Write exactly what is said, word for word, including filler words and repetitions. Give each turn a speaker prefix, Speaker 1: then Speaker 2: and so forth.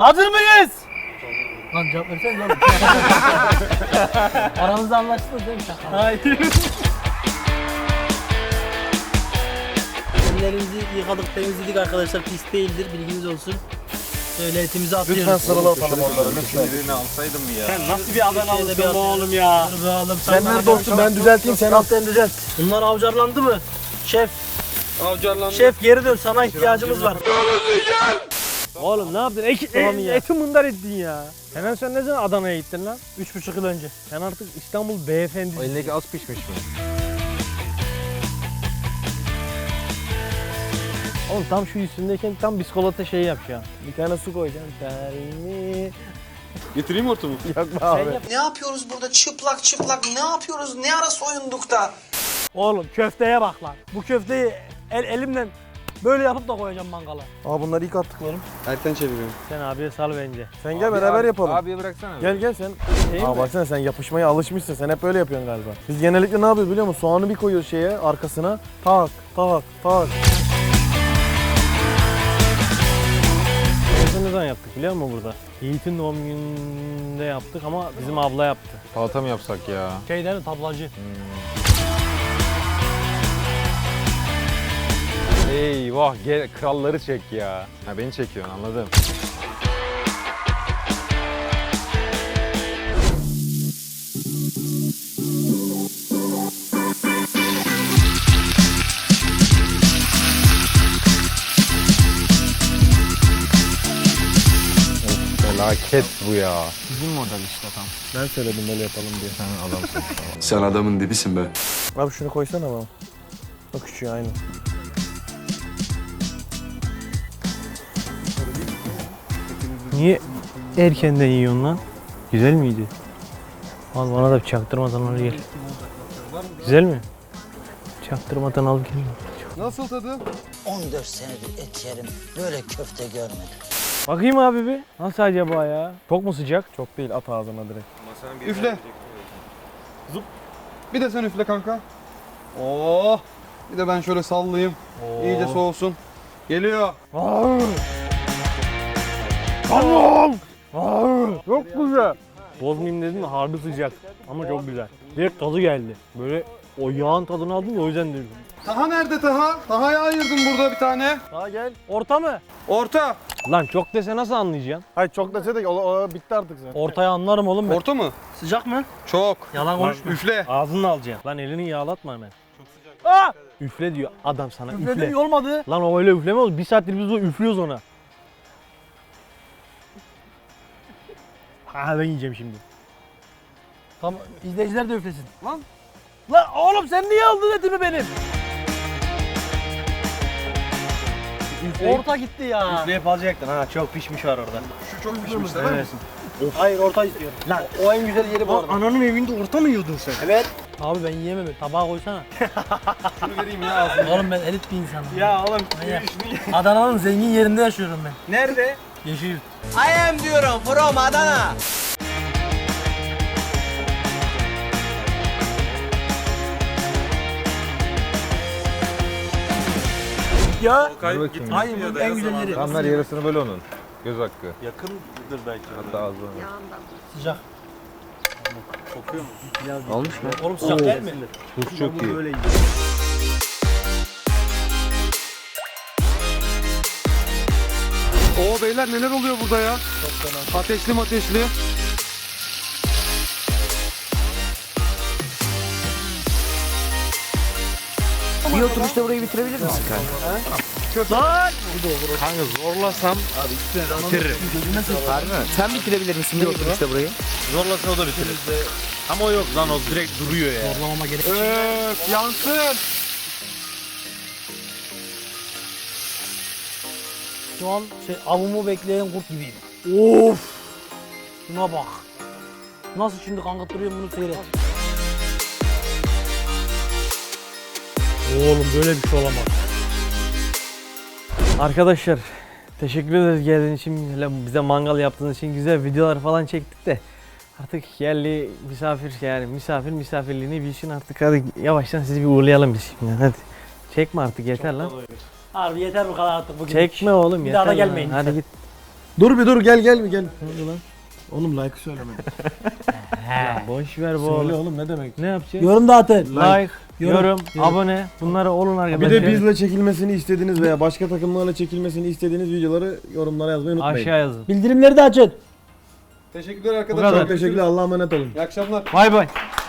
Speaker 1: Hazır mıyız? Lan cevap versene lan. Aramızda anlaştınız değil mi? Hayır. Ellerimizi yıkadık, temizledik arkadaşlar. Pis değildir, bilginiz olsun. Şöyle etimizi atıyoruz.
Speaker 2: Lütfen sarılı atalım onları.
Speaker 3: Lütfen. Birini alsaydım ya.
Speaker 1: Sen nasıl bir Adanalısın oğlum ya? Dur be oğlum.
Speaker 2: Sen nerede olsun, ben düzelteyim, sen al.
Speaker 1: Sen düzelt. Bunlar avcarlandı mı? Şef.
Speaker 3: Avcarlandı.
Speaker 1: Şef geri dön, sana ihtiyacımız var.
Speaker 4: Oğlum ne yaptın? Eki,
Speaker 1: Tamam
Speaker 4: e,
Speaker 1: ya.
Speaker 4: eti mundar ettin ya. Hemen sen ne zaman Adana'ya gittin lan?
Speaker 1: Üç buçuk yıl önce.
Speaker 4: Sen artık İstanbul beyefendi.
Speaker 3: O elindeki az pişmiş mi?
Speaker 4: Oğlum tam şu üstündeyken tam biskolata şeyi yap ya. Bir tane su koyacaksın. Terimi.
Speaker 3: Getireyim hortumu.
Speaker 4: Yok be abi.
Speaker 5: Ne yapıyoruz burada çıplak çıplak ne yapıyoruz ne ara soyunduk da?
Speaker 4: Oğlum köfteye bak lan. Bu köfteyi el, elimden böyle yapıp da koyacağım mangala.
Speaker 2: Aa bunları ilk attıklarım.
Speaker 3: Erken çeviriyorum.
Speaker 4: Sen abiye sal bence.
Speaker 2: Sen gel beraber yapalım.
Speaker 3: Abiye bıraksana.
Speaker 2: Gel gel sen.
Speaker 4: Şey
Speaker 2: Aa
Speaker 4: mi?
Speaker 2: baksana sen yapışmaya alışmışsın. Sen hep böyle yapıyorsun galiba. Biz genellikle ne yapıyoruz biliyor musun? Soğanı bir koyuyoruz şeye arkasına. Tak tak tak.
Speaker 4: Bunu ne zaman yaptık biliyor musun burada? Yiğit'in doğum gününde yaptık ama bizim abla yaptı.
Speaker 3: Salata mı yapsak ya?
Speaker 4: Şeyden tablacı.
Speaker 3: Eyvah gel kralları çek ya. Ha beni çekiyorsun anladım. Of, felaket bu ya.
Speaker 4: Bizim model işte tam.
Speaker 2: Ben söyledim böyle yapalım diye.
Speaker 3: Sen adamsın.
Speaker 6: Sen adamın dibisin be.
Speaker 2: Abi şunu koysana bana. O küçüğü aynı.
Speaker 4: Niye erkenden yiyorsun lan? Güzel miydi? Al bana da bir çaktırmadan al gel. Güzel mi? Çaktırmadan al gel.
Speaker 3: Nasıl tadı?
Speaker 5: on dört senedir et yerim böyle köfte görmedim.
Speaker 4: Bakayım abi bir. Nasıl acaba ya? Çok mu sıcak?
Speaker 2: Çok değil at ağzına direkt.
Speaker 7: Üfle. Zup. Bir de sen üfle kanka. Oh. Bir de ben şöyle sallayayım. İyice soğusun. Geliyor.
Speaker 4: Tamam. Çok güzel. Bozmayayım dedim de harbi sıcak. Ama çok güzel. Direkt tadı geldi. Böyle o yağın tadını aldım ya o yüzden dedim.
Speaker 7: Taha nerede Taha? Taha'ya ayırdım burada bir tane.
Speaker 2: Daha gel.
Speaker 4: Orta mı?
Speaker 7: Orta.
Speaker 4: Lan çok dese nasıl anlayacaksın?
Speaker 2: Hayır çok dese de o, o bitti artık zaten.
Speaker 4: Ortaya anlarım oğlum ben.
Speaker 7: Orta mı?
Speaker 1: Sıcak mı?
Speaker 7: Çok.
Speaker 1: Yalan konuşma.
Speaker 7: Üfle.
Speaker 4: Ağzını alacaksın. Lan elini yağlatma hemen. Çok sıcak. Aa! Üfle diyor adam sana. Üfle.
Speaker 1: Üfledim olmadı.
Speaker 4: Lan o öyle üfleme olur. Bir saattir biz o üflüyoruz ona. Ha ben yiyeceğim şimdi.
Speaker 1: Tamam izleyiciler de üflesin.
Speaker 7: Lan.
Speaker 1: Lan oğlum sen niye aldın etimi benim? Orta gitti ya.
Speaker 4: Üfleyip alacaktın ha. Çok pişmiş var orada.
Speaker 7: Şu çok pişmiş değil mi?
Speaker 1: Hayır orta istiyorum. Lan o en güzel yeri bu arada.
Speaker 4: Ananın evinde orta mı yiyordun sen?
Speaker 1: Evet. Abi ben yiyemem. Tabağa koysana.
Speaker 7: Şunu vereyim ya ağzına.
Speaker 1: Oğlum ben elit bir insanım.
Speaker 4: Ya oğlum.
Speaker 1: Manyak. Adana'nın zengin yerinde yaşıyorum ben.
Speaker 4: Nerede?
Speaker 1: Yeşilyurt.
Speaker 5: I am diyorum from Adana.
Speaker 1: Ya.
Speaker 3: Dur bakayım.
Speaker 1: Hayır bu en güzel yeri.
Speaker 3: Tam ver yarısını böyle onun. Göz hakkı.
Speaker 6: Yakındır belki.
Speaker 3: Hatta az daha.
Speaker 1: Sıcak.
Speaker 3: Almış mı?
Speaker 1: Oğlum sıcak değil mi?
Speaker 3: Tuz çok iyi.
Speaker 7: Oo beyler neler oluyor burada ya? Ateşli ateşli.
Speaker 5: Bir oturuşta burayı bitirebilir misin kanka?
Speaker 3: Kanka zorlasam bitiririm.
Speaker 5: Sen bitirebilir misin bir oturuşta burayı?
Speaker 3: Zorlasam o da bitirir. Ama o yok lan o direkt duruyor ya.
Speaker 1: Zorlamama gerek.
Speaker 7: Öf yansın.
Speaker 1: Şu an şey avımı bekleyen kurt gibiyim. Of! Şuna bak. Nasıl şimdi kankattırıyorum bunu seyret.
Speaker 4: Oğlum böyle bir şey olamaz. Arkadaşlar teşekkür ederiz geldiğiniz için, bize mangal yaptığınız için, güzel videolar falan çektik de artık yerli misafir yani misafir misafirliğini bilsin artık, hadi yavaştan sizi bir uğurlayalım biz şimdi hadi. Çekme artık yeter lan.
Speaker 1: Harbi yeter bu kadar artık bugün.
Speaker 4: Çekme oğlum
Speaker 1: Bir
Speaker 4: yeter
Speaker 1: daha da
Speaker 4: lan.
Speaker 1: gelmeyin
Speaker 4: Hadi
Speaker 1: lütfen.
Speaker 4: git.
Speaker 2: Dur bir dur gel gel bir gel. Ne oldu lan? Oğlum like söyleme.
Speaker 4: Boş ver bu
Speaker 2: Söyle
Speaker 4: oğlum.
Speaker 2: oğlum ne demek?
Speaker 4: Ne yapacağız?
Speaker 1: Yorum da atın.
Speaker 4: Like,
Speaker 1: Yorum,
Speaker 4: yorum, abone. Bunları olun
Speaker 2: Bir
Speaker 4: arkadaşlar.
Speaker 2: de bizle çekilmesini istediğiniz veya başka takımlarla çekilmesini istediğiniz videoları yorumlara yazmayı unutmayın.
Speaker 4: Aşağı yazın.
Speaker 1: Bildirimleri de açın.
Speaker 7: Teşekkürler
Speaker 4: Bu
Speaker 7: arkadaşlar.
Speaker 4: kadar.
Speaker 2: Çok teşekkürler. Allah'a emanet olun.
Speaker 7: İyi akşamlar.
Speaker 4: Bay bay.